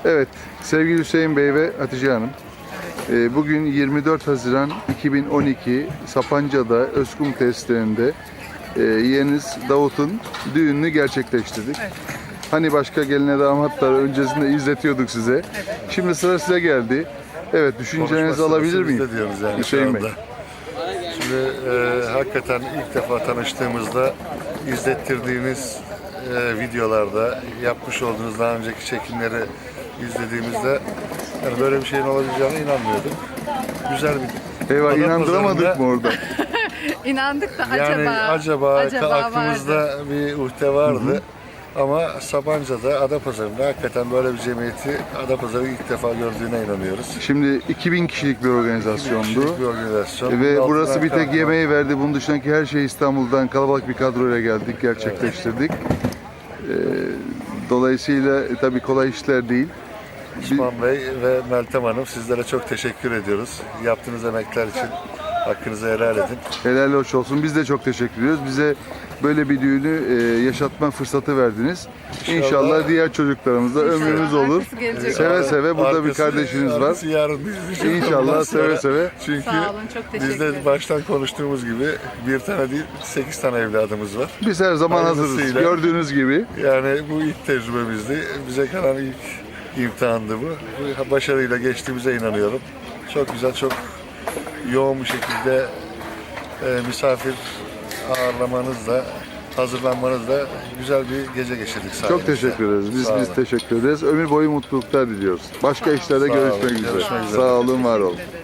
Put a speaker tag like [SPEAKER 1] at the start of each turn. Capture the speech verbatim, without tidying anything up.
[SPEAKER 1] Evet, sevgili Hüseyin Bey ve Hatice Hanım. e, Bugün yirmi dört Haziran iki bin on iki Sapanca'da Özkum tesislerinde e, yeğeniz Davut'un düğününü gerçekleştirdik.
[SPEAKER 2] Evet.
[SPEAKER 1] Hani başka geline damatlar öncesinde izletiyorduk size.
[SPEAKER 2] Evet.
[SPEAKER 1] Şimdi sıra size geldi. Evet, düşüncelerinizi
[SPEAKER 3] Konuşma
[SPEAKER 1] alabilir
[SPEAKER 3] sırası
[SPEAKER 1] miyim?
[SPEAKER 3] bizde diyoruz yani
[SPEAKER 1] Hüseyin
[SPEAKER 3] şu
[SPEAKER 1] Bey.
[SPEAKER 3] anda. Şimdi e, hakikaten ilk defa tanıştığımızda izlettirdiğiniz e, videolarda yapmış olduğunuz daha önceki çekimleri izlediğimizde yani böyle bir şeyin olabileceğine inanmıyordum. Güzel bir
[SPEAKER 1] Eyvah,
[SPEAKER 3] Ada
[SPEAKER 1] inandıramadık
[SPEAKER 3] pazarında-
[SPEAKER 1] mı orada?
[SPEAKER 2] İnandık da
[SPEAKER 3] Yani
[SPEAKER 2] acaba
[SPEAKER 3] acaba,
[SPEAKER 2] acaba
[SPEAKER 3] aklımızda
[SPEAKER 2] vardı.
[SPEAKER 3] bir uhde vardı. Ama Sapanca'da, Adapazarı'nda hakikaten böyle bir cemiyeti Adapazarı ilk defa gördüğüne inanıyoruz.
[SPEAKER 1] Şimdi iki bin kişilik bir organizasyondu.
[SPEAKER 3] Kişilik bir organizasyon.
[SPEAKER 1] Ve
[SPEAKER 3] Bunun
[SPEAKER 1] burası
[SPEAKER 3] altından
[SPEAKER 1] bir tek
[SPEAKER 3] kalkmak.
[SPEAKER 1] yemeği verdi. Bunun dışındaki her şeyi İstanbul'dan kalabalık bir kadroyla geldik, gerçekleştirdik. Ee, dolayısıyla e, tabii kolay işler değil.
[SPEAKER 3] Osman Bey ve Meltem Hanım, sizlere çok teşekkür ediyoruz. Yaptığınız emekler için hakkınızı helal edin.
[SPEAKER 1] Helal hoş olsun. Biz de çok teşekkür ediyoruz. Bize böyle bir düğünü e, yaşatma fırsatı verdiniz. İnşallah,
[SPEAKER 3] İnşallah
[SPEAKER 1] diğer çocuklarımızda ömrümüz olur.
[SPEAKER 2] Arkası gelecek.
[SPEAKER 1] Seve seve burada bir
[SPEAKER 3] Arkası-
[SPEAKER 1] kardeşiniz var.
[SPEAKER 3] arkası yarın izleyeceğiz.
[SPEAKER 1] İnşallah
[SPEAKER 3] Ondan
[SPEAKER 1] seve
[SPEAKER 3] sonra-
[SPEAKER 1] seve.
[SPEAKER 3] Çünkü
[SPEAKER 2] Sağ olun, çok teşekkür
[SPEAKER 3] biz de
[SPEAKER 2] ederim.
[SPEAKER 3] baştan konuştuğumuz gibi bir tane değil, sekiz tane evladımız var.
[SPEAKER 1] Biz her zaman hazırız.
[SPEAKER 3] Hayırlısıyla.
[SPEAKER 1] Gördüğünüz gibi.
[SPEAKER 3] Yani bu ilk tecrübemizdi. Bize kalan ilk imtihandı bu. Bu başarıyla geçtiğimize inanıyorum. Çok güzel, çok yoğun bir şekilde e, misafir ağırlamanızla, hazırlanmanızla güzel bir gece geçirdik sayenizde.
[SPEAKER 1] Çok teşekkür ederiz. Biz
[SPEAKER 3] Sağ
[SPEAKER 1] biz
[SPEAKER 3] olun.
[SPEAKER 1] teşekkür ederiz. Ömür boyu mutluluklar diliyoruz. Başka işlerde
[SPEAKER 3] Sağ olun.
[SPEAKER 1] görüşmek üzere.
[SPEAKER 3] Görüşmek üzere.
[SPEAKER 1] Sağ olun, var olun.
[SPEAKER 2] Teşekkür ederim.